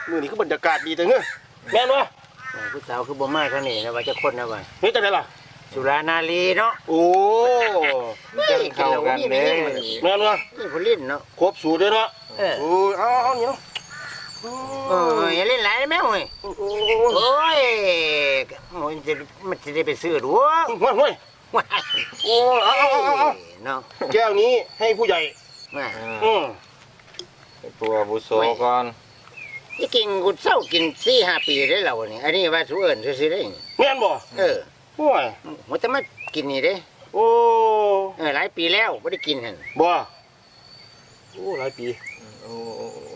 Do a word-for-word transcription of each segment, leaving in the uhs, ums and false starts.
มือนี้คือบรรยากาศดีจังเฮ้ยแม่นวะผู้สาวคือบ่มาเท่านี้นะว่าจะคนนะว่าเฮ้ยจังได๋ล่ะสุรานารีเนาะโอ้จะเข้ากันเด้แม่นวะนี่ผู้ลิ้นเนาะครบสูตรเด้เนาะเออโอ้ยเอาเอานี่เนาะโอ้ยอย่าเล่นหลายแม่เว้ยโอ้ยมันจะมันจะได้ไปซื้อดูห้วยห้วยโอ้เอาเอาเอาเอาเนาะแก้วนี้ให้ผู้ใหญ่มาอืมตัวบุโสก่อนที่กินกูเศร้ากินสี่ห้าปีได้แล้วนี่อันนี้ว่าสูเอิญซื้อได้แม่นบ่เออโอ้ยมันจะมากินนี่เด้โอ้เออหลายปีแล้วไม่ได้กินหั่นบ่โอ้หลายปีโอ้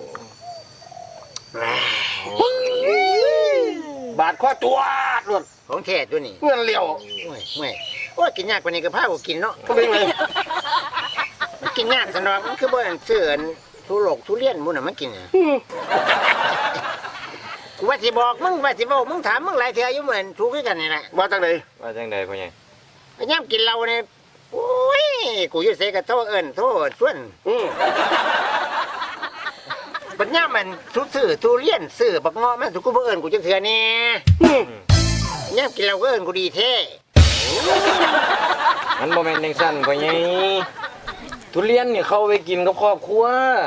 บาดข้อตัวรถของแท้ตัวนี้เงินเหลียวโอ้ยโอ้ยโอ้ยกินยากกว่านี้ก็พากูกินเนาะก็เป็นไงมันกินยากสนองมันคือบ่อันเสื่อนทุโลกทุเรียนมุ่นน่ะมันกินอ่ะกูว่าสิบอกมึงว่าสิบอกมึงถามมึงหลายเทื่ออยู่เหมือนถูกกันนี่แหละว่าจังได๋ว่าจังได๋พ่อใหญ่ไอ้ย่ำกินเหล้าเนี่ยโอ้ยกูอยู่ไสก็โทษเอิ้นโทษส่วนอือบัดย่ำมันสุซื้อทุเรียนซื้อบักเงาะมันสุกูบ่เอิ้นกูจังเทื่อนี่ย่ำกินเหล้าก็เอิ้นกูดีแท้มันบ่แม่นจังซั่นพ่อใหญ่ทุเรียนนี่เขาไปกินกับครอบครัว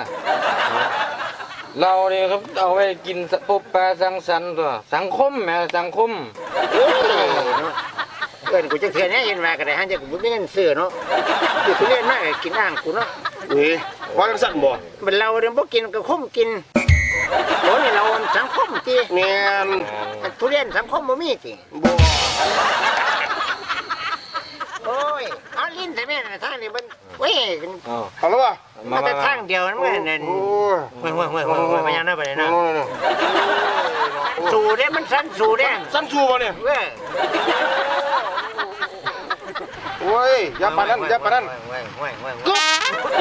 เราเนี่ยครับเอาไปกินพบปลาสังสรรค์ตัวสังคมแม่สังคมเอิ้นกูจังเทื่อนี่เห็นว่าก็ได้หันจะกูบ่มีเงินซื้อเนาะอยู่ทุเรียนมาก็กินอ่างกูเนาะเอ้ยว่าจังซั่นบ่บัดเราเนี่ยบ่กินก็คุ้มกินโอ้นี่เราสังคมติแม่นทุเรียนสังคมบ่มีติบ่โอ้ยเอาลิ้นใส่แม่ทางนี้มันเว้ยเอาแล้วว่ะมันแต่ทางเดียวนั่นมันนั่นห่วยห่วยห่วยห่วยพยายามนะไปเลยนะสู่ได้มันสั้นสู่ได้สั้นสู่บ่เนี่ยเว้ยโอ้ยอย่าปานนั้นอย่าปานนั้นห่วยห่วยห่วยห่วย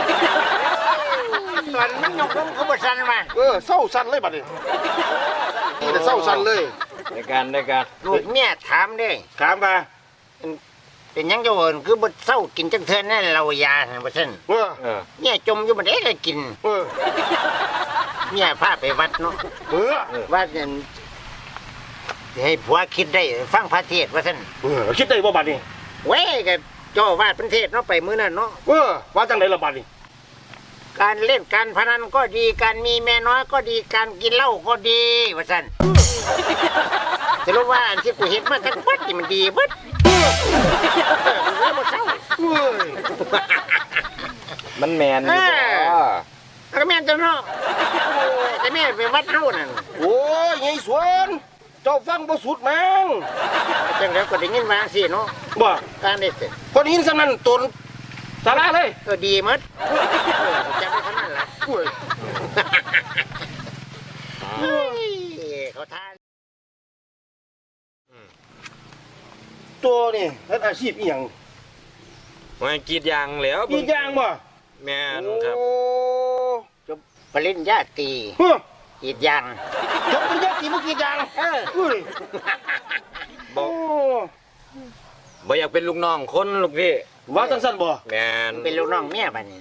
ตอนมันยกมือเขาบ่สั้นมาเออเศร้าสั้นเลยบัดนี้นี่แต่เศร้าสั้นเลยในการในการลูกเมียถามเด้ถามมาเป็นยังจะเอิญคือบ่เศร้ากินจังเทื่อนั่นเรายาหั่นบ่ซั่นเออเนี่ยจมอยู่บ่ได้ก็กินเออเนี่ยพาไปวัดเนาะเออวัดนั่นให้ผัวคิดได้ฟังพระเทศว่าซั่นเออคิดได้บ่บัดนี้เว้ยก็เจ้าอาวาสประเทศเนาะไปมื้อนั้นเนาะเออว่าจังได๋ล่ะบัดนี้การเล่นการพนันก็ดีการมีแม่น้อยก็ดีการกินเหล้าก็ดีว่าซั่นจะรู้ว่าอันที่กูเฮ็ดมาทั้งหมดนี่มันดีเบิดมันแมนอยู่บ่ก็แม่นจังเนาะแต่แม่ไปวัดเฮานั่นโอ้ยไงสวนเจ้าฟังบ่สุดมั้งจังแล้วก็ได้ยินว่าสิเนาะบ่การได้สิคนหินซำนั้นตนสาระเลยก็ดีหมดจังได้เท่านั้นล่ะโอ้ยเขาทานตัวนี่เฮ็ดอาชีพอีหยังมันกรีดยางแล้วกรีดยางบ่แม่นครับจบปริญญาตรีกรีดยางจบปริญญาตรีบ่กรีดยางเอออุ้ยบ่บ่อยากเป็นลูกน้องคนลูกพี่ว่าจังซั่นบ่แม่นเป็นลูกน้องเมียบัดนี้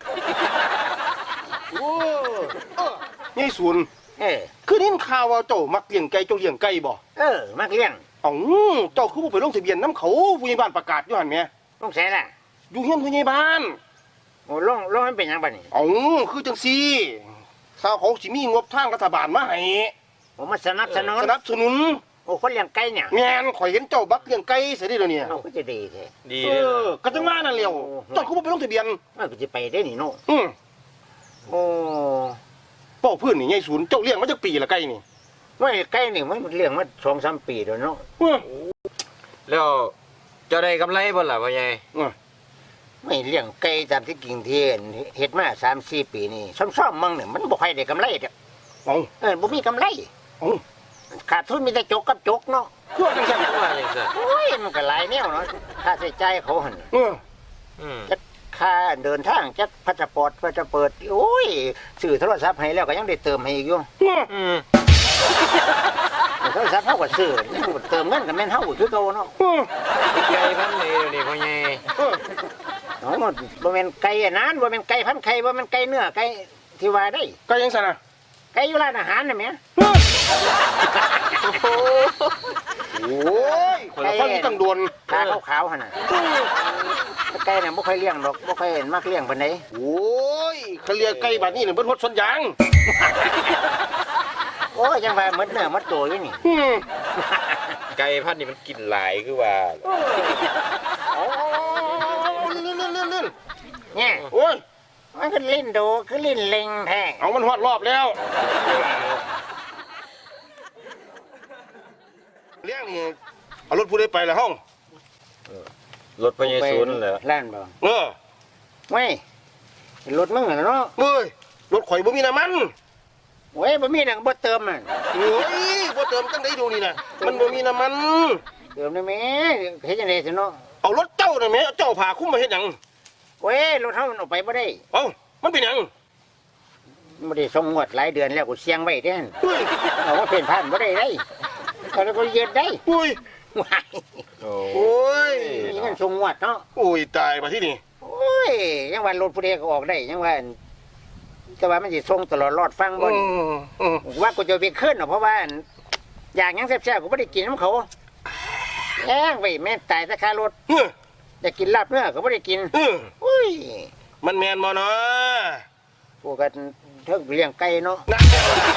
โอ้เออนี่ศูนย์เออคือนินข่าวว่าเจ้ามักเลี้ยงไก่เจ้าเลี้ยงไก่บ่เออมักเลี้ยงเอ้าเจ้าคือบ่ไปลงทะเบียนนำเขาผู้ใหญ่บ้านประกาศอยู่หั่นแหมลงไสล่ะอยู่เฮียนผู้ใหญ่บ้านโอ้ลงลงมันเป็นหยังบัดนี้เอ้าคือจังซี่ถ้าเขาสิมีงบทางรัฐบาลมาให้โอ้มาสนับสนุนสนับสนุนโอ้คนเลี้ยงไก่เนี่ยแม่นข่อยเห็นเจ้าบักเลี้ยงไก่เสียดิเดี๋ยวนี้เอ้าก็จะดีแท้ดีเออก็จังว่านั่นแหล้วเจ้าคือบ่ไปลงทะเบียนเอ้าก็สิไปได้นี่เนาะอือโอ้เป้าพื้นนี่ใหญ่ศูนย์เจ้าเลี้ยงมาจักปีละไก่นี่ว่าไก่นี่มันเลี้ยงมา สองสาม ปีแล้วเนาะแล้วเจ้าได้กำไรบ่ล่ะพ่อใหญ่ไม่เลี้ยงไก่ตามที่กิ่งเทียนเฮ็ดมา สามสี่ ปีนี่ซ่อมๆมั่งเนี่ยมันบ่ค่อยได้กำไรเด้อเอ้าเออบ่มีกำไรเอ้าขาดทุนมีแต่จกกับจกเนาะคือจังซั่นว่าจังซั่นโอ้ยมันก็หลายแนวเนาะค่าใช้จ่ายเขาหั่นเอออืมจักค่าเดินทางจักพาสปอร์ตพาสเปิดโอ้ยซื้อโทรศัพท์ให้แล้วก็ยังได้เติมให้อีกอยู่อืมโทรศัพท์เฮาก็ซื้อเติมเงินก็แม่นเฮาคือเก่าเนาะไก่พันนี่นี่พ่อใหญ่เออเนาะบ่แม่นไก่อันนั้นบ่แม่นไก่พันไข่บ่แม่นไก่เนื้อไก่ที่ว่าได้ไก่จังซั่นน่ะไก่ไก่อยู่ร้านอาหารน่ะแม่โอ้ยคนละฟังตั้งโดนตาขาวๆหั่นน่ะไก่น่ะบ่ค่อยเลี้ยงดอกบ่ค่อยเห็นมักเลี้ยงปานใดโอ้ยเขาเรียกไก่บัดนี้เนี่ยเบิดฮดสวนยางโอ้ยจังว่าหมดเนื้อหมดตัวอยู่นี่อืมไก่พันธุ์นี่มันกินหลายคือว่าเอาๆๆลื่นๆๆเนี่ยๆโอ้ยมันก็ลิ้นโดคือลิ้นเล็งแท้เอามันฮอดรอบแล้วเลี้ยงนี่เอารถผู้ใดไปละห้องรถพญาศูนย์เหรอล้านบ่เออเว้ยรถมึงน่ะเนาะเอ้ยรถข่อยบ่มีน้ำมันเว้ยบ่มีหนังบ่เติมอ่ะโอ้ยบ่เติมจังได๋ดูนี่นะมันบ่มีน้ำมันเติมได้แม่เฮ็ดจังได๋ซิเนาะเอารถเจ้าน่ะแหม่เจ้าพาคุ้มมาเฮ็ดหยังเว้ยรถเฮามันออกไปบ่ได้เอ้ามันเป็นหยังบ่ได้ส่งงวดหลายเดือนแล้วกูเสียงไว้เด้นเฮ้ยเอาว่าเพ่นผ่านบ่ได้ได้ก็แล้วก็ยืดได้อุ้ยว้ายโอ้โอ้ยมีเงินส่งงวดเนาะโอ้ยตายมาที่นี่โอ้ยยังว่ารถผู้ใดก็ออกได้ยังว่าแต่ว่ามันสิส่งตลอดรอดฟังบ่อืนี่มอืมว่ากูจะไปขึ้นเนาะเพราะว่าอยากหยังแซ่บๆกูบ่ได้กินน้ำเขาแอ้งไว้แม่นตายแต่ค่ารถเฮ้ยอยากกินลาบเนื้อก็ไม่ได้กินเอออุ้ยมันแม่นบ่เนาะพวกกันเทิงเลี้ยงไก่เนาะนั่น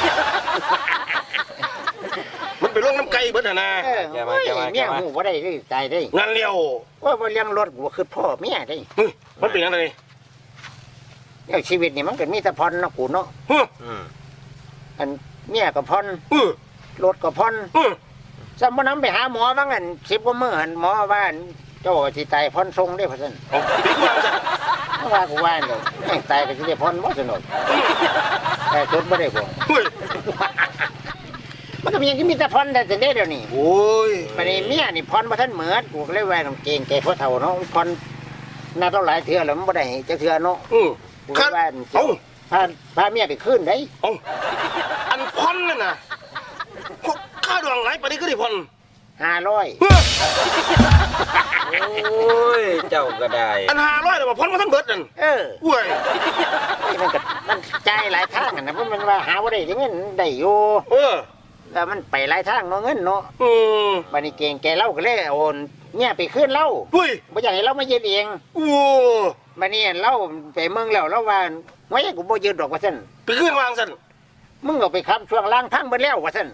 มันไปลงน้ำไก่เบิดหั่นน่ะเออโอ้ยเมียหูบ่ได้เลยตายได้งั้นเลี้ยวว่าบ่เลี้ยงรถกูคือพ่อเมียได้เฮ้ยมันเป็นยังไงแล้วชีวิตนี่มันก็มีแต่พรเนาะกูเนาะเฮ้ยอืมอันเมียก็พรเออรถก็พรเออสมมุตินำไปหาหมอว่างั้นสิบกว่ามื้อหั่นหมอว่าอั่นเจ้าสิตายพรทรงได้พ่อซั่นเอาปิดวางซะเพราะว่ากูว่าเด้อแม่งตายก็สิได้พรบ่ซั่นเนาะแต่สุดบ่ได้บ่เฮ้ยมันก็มีอย่างที่มีแต่พรแต่เดี๋ยวนี้โอ้ยประเดี๋ยวเมียนี่พรมาท่านเหมือนกูก็เลยแหวนของเกงแกพ่อเฒ่าเนาะพรน่าเท่าหลายเทื่อแล้วมันบ่ได้จะเทื่อเนาะอือกูคัก็นแหวนเอ้าพาพาเมียไปขึ้นได้เอ้าอันพอนนั่นน่ะพวกค่าดองหลายปานนี้ก็ได้พอนห้าร้อยเฮ้ยโอ้ยเจ้าก็ได้อันห้าร้อยน่ะบ่พอนมาทั้งเบิดนั่นเออเว้ยมันก็มันจ่ายหลายทางอะนะเพราะมันว่าหาว่าได้เงินได้อยู่เออแต่มันไปหลายทางเนาะเงินเนาะอืมบัดนี้เกงแกเล่าก็เลยโอนเนี่ยไปขึ้นเล่าเฮ้ยบ่อยากให้เรามายืนเองโอ้บัดนี้เล่าไปเมืองแล้วเราว่าไว้กูบ่ยืนดอกว่าซั่นไปขึ้นวางซั่นมึงก็ไปขับช่วงล่างพังเบิดแล้วว่าซั่น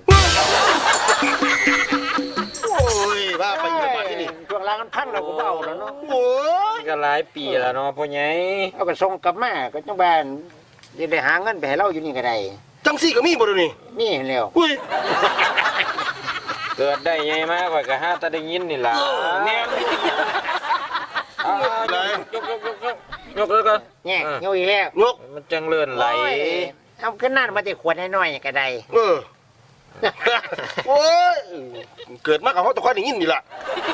โอ้ยว่าไปอยู่บ้านที่นี่ช่วงล่างมันพังเราก็บ่เอาแล้วเนาะโอ้ยก็หลายปีแล้วเนาะพ่อใหญ่เอาก็ส่งกลับมาก็จังบ้านจะได้หาเงินไปให้เราอยู่นี่ก็ได้จังซี่ก็มีบ่เดี๋ยวนี้นี่แล้วเฮ้ยเกิดได้ไงมาข่อยก็หาแต่ได้ยินนี่ล่ะเออแม่นเอาไหนๆยกยกยกยกยกเลยก่อนแง่เอออยู่อีกแล้วนกมันจังเลื่อนไหลโอ้ยเอาขึ้นหน้ามาแต่ขวดน้อยๆก็ได้เออ โอ้ย เกิดมากับเขาตะคอยได้ยินนี่ล่ะ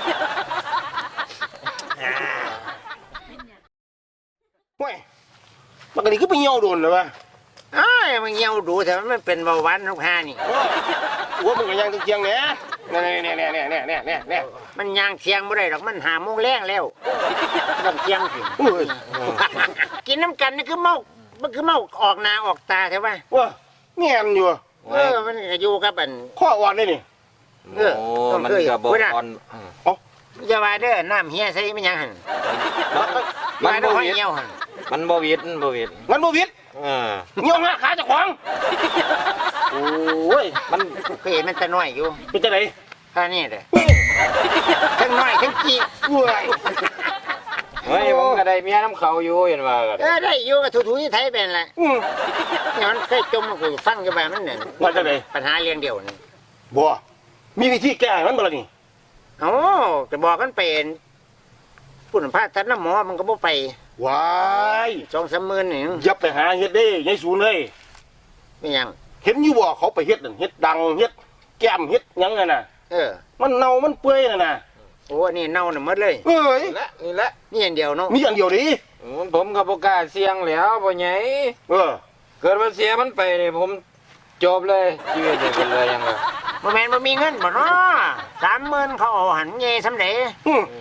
เว้ยมันก็นี่คือไปเหี่ยวโดนเลยวะอ้ายมันเหี่ยวดูแต่มันเป็นเบาหวานทุกห้านี่โอ้ยหัวมึงก็ยังเจียงๆเนี่ยเนี่ยเนี่ยเนี่ยเนี่ยเนี่ยเนี่ยเนี่ยมันย่างเสียงบ่ได้ดอกมันหาโมงแรงแล้วต้องเสียงสิโอ้ยกินน้ำกันนี่คือเมา มันคือเมาออกหน้าออกตาใช่ปะว้าเงียนอยู่เออ มันก็อยู่กับอันข้ออ่อนเลยนี่เออโอ้ต้องมันเคยก็บ่พูดนะอ่อนอืมอย่าว่าเด้อน้ำเฮียใส่มันยังหั่นมันว่าเด้บ่อหอยวิดเหี่ยวหั่นมันบ่วิดมันบ่วิดมันบ่วิดเออเหี่ยวหน้าขาเจะขวางโอ้ยมันเคยเห็นมันแต่น้อยอยู่เป็นจังไดท่านี่เด้อทั้งน้อยทั้งกี้เว้ยเฮ้ยผมก็ได้เมียน้ำเขาอยู่เห็นว่าก็เอได้อได้อยู่กับทุๆที่ไทยเป็นแหละอืมเนี่ยมันเคยจมกูฟังอยู่แบบนั้นเนี่ยว่าจังไดปัญหาเลี้ยงเดียวนี่บ่มีวิธีแก้ให้มันบ่ล่ะนี่เอ้าจะบอกกันเป็นผู้นำพาทันน้ำหมอมันก็บ่ไปว้ายสองสามหมื่นนี่อย่าไปหาเฮ็ดเด้ยายศูนย์เลยไม่ยังเห็นอยู่บ่เขาไปเฮ็ดนั่นเฮ็ดดังเฮ็ดแก้มเฮ็ดหยังนั่นน่ะเออมันเน่ามันเปื่อยนั่นน่ะโอ้อันนี่เน่าหน่ะหมดเลยเอ้ยนี่แหละนี่แหละนี่อันเดียวเนาะมีอันเดียวดิอืมผมก็บ่กล้าเสี่ยงแล้วพ่อใหญ่เออเกิดว่าเสียมันไปนี่ผมจบเลยชีวิตนี่เป็นเลยยังไงบ่แม่นบ่มีเงินบ่เนาะสามหมื่นเขาเอาหันเงยสำเร็จอืม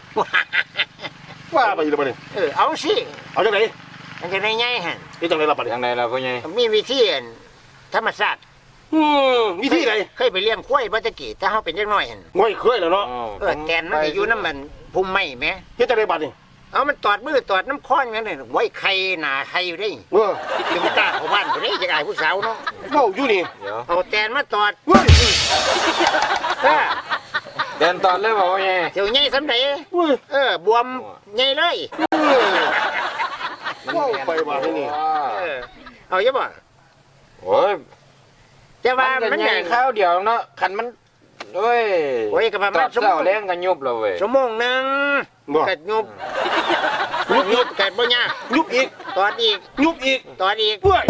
ว่าไปอยู่แล้วบัดนี้เออเอาสิเอาจังได๋มันจะได้ไงหั่นเฮ็ดจังได๋ล่ะบัดนี้ยังไงล่ะพ่อใหญ่มีวิธีอันธรรมชาติอืมวิธีใดเคยไปเลี้ยงควายบ่ตะกี้แต่เฮาเป็นเด็กน้อยหั่นง่อยเคยแล้วเนาะเออแตนมันสิอยู่น้ำมันพุ่มไม้แหมเฮ็ดจังไดบัดนี่เอามันตอดมือตอดน้ำค้อนงั้นน่ะไว้ไข่หน้าไข่อยู่เด้เออถึงกล้าเข้าบ้านบ่ได้จักอายผู้สาวเนาะเว้าอยู่นี่เดี๋ยวเอาแตนมาตอดเว้ยเออเดินตอนเลยบอกว่าไงเสียวใหญ่สำใดเว้ยเออบวมใหญ่เลยเออเว้าไปบัดนี่เออเอาอย่าบ่โอ้ยแต่ว่ามันมันใหใหญ่ญ่ข้าวเดียวเนาะคันมันโอ้ยโอ้ยก็ประตมาอณบชั่วโมเสาง แรงกันยุบเลยเว้ยชั่วโมงหนึงบ่กัดยุบยุบกัดบ่ยากยุบอีกตอดอีกยุบอีกตอดอีกเว้ย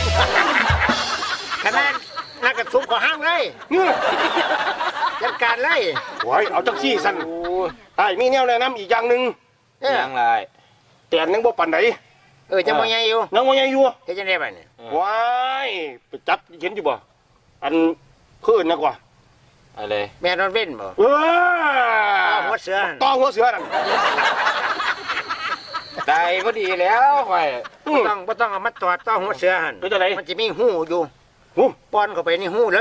ขนาดนักกระสุบขอห้างเลยเงี้ยจัดการเลยโอ้ยเอาจังซี่สั่นโอ้ยไอ้ายมีแนวแนะนำอีกอย่างหนึงเออยังไรแต่ยังบ่ปานใดเออจะบ่ใหญ่อยู่ยังบ่ใหญ่อยู่เฮ็ดจังได๋บัดนี้ว้ายไปจับเห็นอยู่บ่อันเพิ่นนะกว่าอะไรแม่นอนเว้นบ่เออเอาหัวเสือต้องหัวเสือนั่นตายพอดีแล้วข่อยอืบ่มต้องบ่ต้องเอามาตอดต้องหัวเสือหั่นเป็นจังไดมันจะมีหูอยู่หูป้อนเข้าไปในหูเลย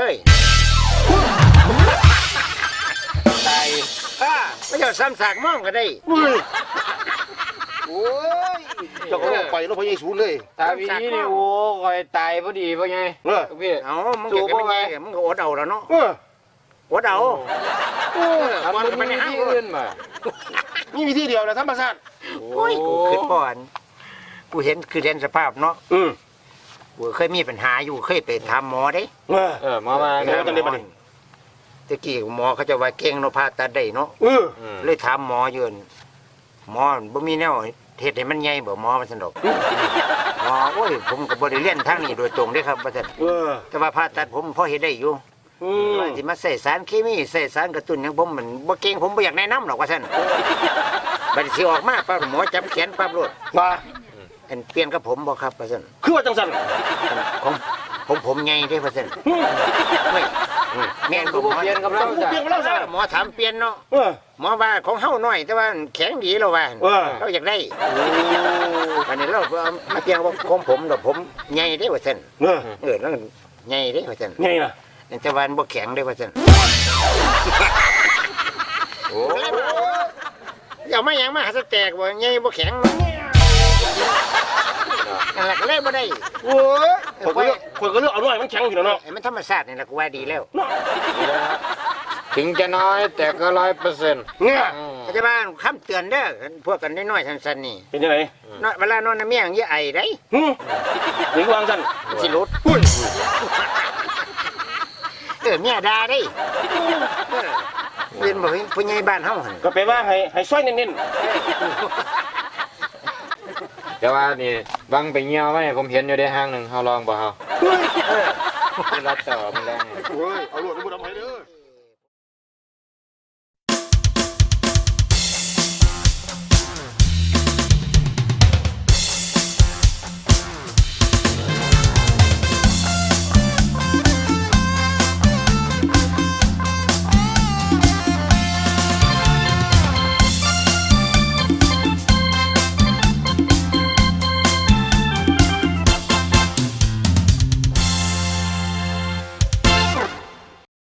ตายอ่าไม่เจ้าซ้ำสากมองก็ได้เว้ยโอ้ยเจ้าก็ลงไปแล้วพระเยซูเลยตาวีนี่โอ้ข่อยตายพอดีพอไงเออพี่เอามึงเก็บกันไม่ไงมึงก็อดเอาแล้วเนาะเอออดเอาโอ้ยทำป้อนมันเข้าไปในมีห้างที่อื่นมามีวิธีเดียวนะธรรมชาติโอ้ยกูคิดก่อนกูเห็นคือเห็นสภาพเนาะอืมกูเคยมีปัญหาอยู่เคยไปถามหมอเด้เออเออมามาเออจังได้บัดนี้ตะกี้หมอเขาจะว่าเก่งเนาะผ่าตัดได้เนาะเอออืมเลยถามหมออยู่นั่นหมอบ่มีแนวเฮ็ดให้มันใหญ่บ่หมอมันสนุกหมอโอ้ยผมก็บ่ได้เรียนทางนี้โดยตรงเด้ครับว่าซั่นเออแต่ว่าผ่าตัดผมพอเฮ็ดได้อยู่อืมว่าสิมาใส่สารเคมีใส่สารกระตุ้นหยังผมมันบ่เก่งผมบ่อยากแนะนำหรอกว่าซั่นบัดสิออกมาปั๊บหมอจับแขนปั๊บโลดมาอันเปลี่ยนกับผมบ่ครับว่าซั่นคือว่าจังสันของผมผมใหญ่เด้ว่าซั่นอืมไม่แม่นกูบ่หมอเปลี่ยนกับเราเปลี่ยนกับเราซะหมอถามเปลี่ยนเนาะเออหมอว่าของเฮาน้อยแต่ว่าแข็งดีแล้วว่าเออเราอยากได้อันนี้เราเอามาเปลี่ยนว่าของผมดอกผมใหญ่เด้ว่าซั่นเออเออแล้วใหญ่เด้ว่าซั่นไงน่ะแต่ว่ามันบ่แข็งเด้ว่าซั่นโอ้เอามาหยังมาหาสแตกบ่ใหญ่บ่แข็งนั่นแหละก็เลยบ่ได้โอ้ยคนก็เลือกคนก็เลือกเอาหน่อยมันแข็งอยู่แล้วเนาะไอ้มันธรรมชาตินี่แหละกูว่าดีแล้วถึงจะน้อยแต่ก็ร้อยเปอร์เซ็นต์เนี่ยอาจารย์บ้านคำเตือนเด้อพวกกันน้อยๆสั้นๆนี่เป็นยังไงน้อยเวลานอนน้ำเมียงอย่าไอได้หืมหรือวางสันมันสิหลุดอุ้ยเออเมียด่าได้เออเรียนบ่เห็นผู้ใหญ่บ้านเฮาหั่นก็แปลว่าให้ให้ซอยเน้นแต่ว่านี่บังไปเงี้ยวไว้ผมเห็นอยู่ได้ห้างหนึ่งเฮาลองบ่เฮาๆเฮ้ยเออคือรัดต่อมันแรงเฮ้ยเอาลูกเอาลูกเอา